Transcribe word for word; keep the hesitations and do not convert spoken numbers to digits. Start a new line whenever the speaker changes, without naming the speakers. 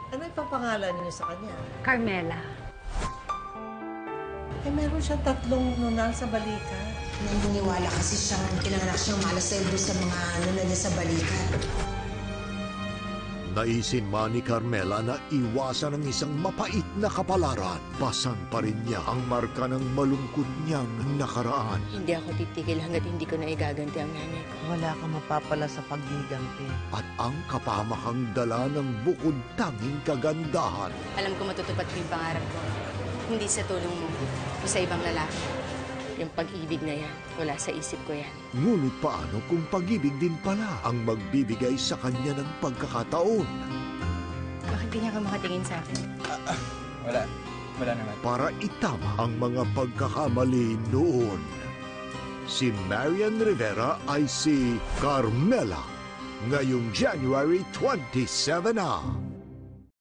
Ano ipapangalan niyo sa kanya?
Carmela.
Eh, meron siyang tatlong nunal sa balikat.
Naniniwala kasi siyang pinanganak siyang malaseldo sa mga nunal niya sa balikat.
Naisin man ni Carmela na iwasan ang isang mapait na kapalaran. Pasan pa rin niya ang marka ng malungkot niyang nakaraan.
Hindi ako titigil hanggat hindi ko na igaganti ang nanay ko.
Wala kang mapapala sa paggiganti.
At ang kapamakang dala ng bukod tanging kagandahan.
Alam ko matutupad ko yung pangarap ko. Hindi sa tulong mo o sa ibang lalaki. Yung pag-ibig na yan, wala sa isip ko yan.
Ngunit paano kung pag-ibig din pala ang magbibigay sa kanya ng pagkakataon?
Bakit ganyan ka makatingin sa akin?
Ah, ah, wala. Wala naman.
Para itama ang mga pagkakamali noon. Si Marian Rivera ay si Carmela. Ngayong January twenty-seven na.